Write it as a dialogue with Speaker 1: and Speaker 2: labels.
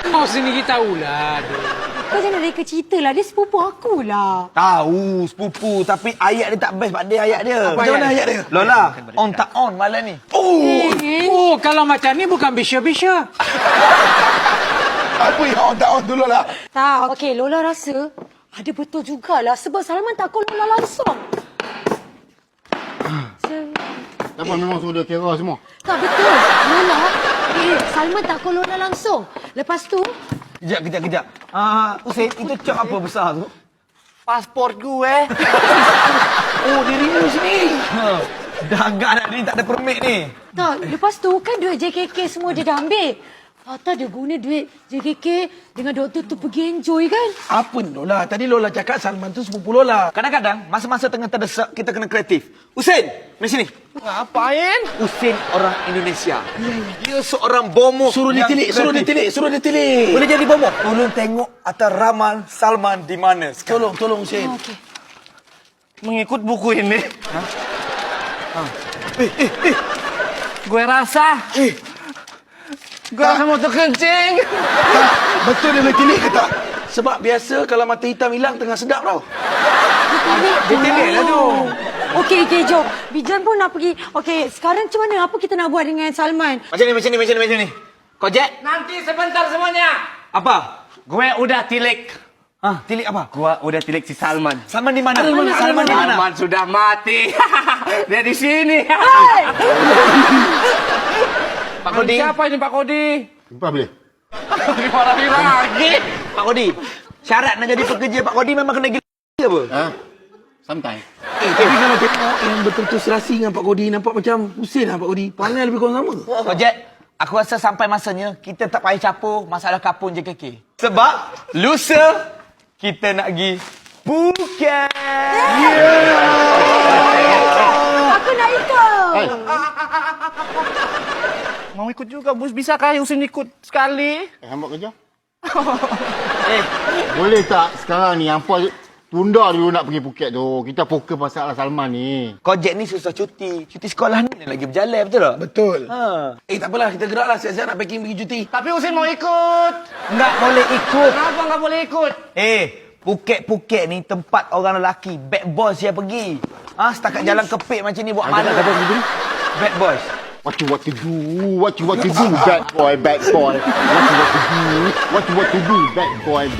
Speaker 1: Kau sendiri tahulah.
Speaker 2: Kau jangan reka cerita lah. Dia sepupu aku lah.
Speaker 3: Tahu sepupu tapi ayat dia tak best pada ayat dia.
Speaker 1: Macam mana ayat dia?
Speaker 3: Lola, on tak on malam ni.
Speaker 1: Oh, kalau macam ni bukan bisya-bisya.
Speaker 4: Apa yang on tak on dulu lah.
Speaker 2: Tak, okey. Lola rasa ada betul jugalah. Sebab Salman tak call Lola langsung.
Speaker 4: Kenapa memang suruh dia kira semua?
Speaker 2: Tak betul. Lola, Salman tak call Lola langsung. Lepas tu,
Speaker 3: Kejap. Hussein, itu cak apa besar tu?
Speaker 5: Pasport gue.
Speaker 3: Oh, dia renew sini. Dah agak nak ni, tak ada permit ni.
Speaker 2: tak. Lepas tu kan duit JKK semua dia dah ambil. Tata dia guna duit JKK dengan doktor tu pergi enjoy kan?
Speaker 6: Apa ni Lola? Tadi Lola cakap Salman tu sepupu Lola.
Speaker 3: Kadang-kadang, masa-masa tengah terdesak, kita kena kreatif. Hussein, mari sini.
Speaker 5: Ngapain?
Speaker 3: Hussein orang Indonesia. Dia seorang bomo.
Speaker 6: Suruh
Speaker 3: yang
Speaker 6: dia
Speaker 3: kreatif.
Speaker 6: tilik.
Speaker 3: Boleh jadi bomo? Tolong tengok atas ramal Salman di mana sekarang.
Speaker 6: Tolong Hussein.
Speaker 2: Okey.
Speaker 5: Mengikut buku ini. Gue rasa. Gue rasa mau terkencing.
Speaker 6: Betul dia boleh tilik ke tak? Sebab biasa kalau mata hitam hilang tengah sedap tau.
Speaker 3: Dia tilik lah tu.
Speaker 2: Okey, jom. Bijan pun nak pergi. Okey, sekarang macam mana? Apa kita nak buat dengan Salman?
Speaker 3: Macam ni. Kau Jack?
Speaker 5: Nanti sebentar semuanya.
Speaker 3: Apa?
Speaker 5: Gue udah tilik.
Speaker 3: Tilik apa?
Speaker 5: Gue udah tilik si Salman.
Speaker 3: Salman di mana?
Speaker 6: Salman di mana?
Speaker 5: Salman sudah mati. Dia di sini.
Speaker 3: Pak Kodi.
Speaker 5: Siapa ini Pak Kodi?
Speaker 4: Jumpa boleh?
Speaker 5: Dimarahin lagi.
Speaker 3: Pak Kodi. Syarat nak jadi pekerja Pak Kodi memang kena gila apa?
Speaker 4: Ha? Sometimes.
Speaker 6: Tapi kalau tengok yang betul-betul serasi dengan Pak Kodi, nampak macam Hussein lah Pak Kodi. Panggil lebih kurang sama.
Speaker 3: Kau Jack, aku rasa sampai masanya kita tak payah capur masalah kapun JKK. Sebab lusa kita nak pergi Phuket.
Speaker 2: Aku nak ikut.
Speaker 4: Hai.
Speaker 5: Mau ikut juga, bos. Bisakah Husin ikut sekali?
Speaker 4: Hamba kerja? Boleh tak sekarang ni hampa tunda dulu nak pergi Phuket tu. Kita fokus masalah Salman ni.
Speaker 3: Kau Jack ni susah cuti. Cuti sekolah ni lagi berjalan, betul tak?
Speaker 6: Betul.
Speaker 3: Ha.
Speaker 6: Tak apalah, kita geraklah siap-siap nak packing pergi cuti.
Speaker 5: Tapi Husin mau ikut.
Speaker 3: Enggak boleh ikut.
Speaker 5: Kenapa nggak boleh ikut?
Speaker 3: Phuket ni tempat orang lelaki. Bad boys yang pergi. Setakat jalan kepik macam ni buat mana? Bad boys.
Speaker 4: What you want to do, bad boy. What you want to do, bad boy.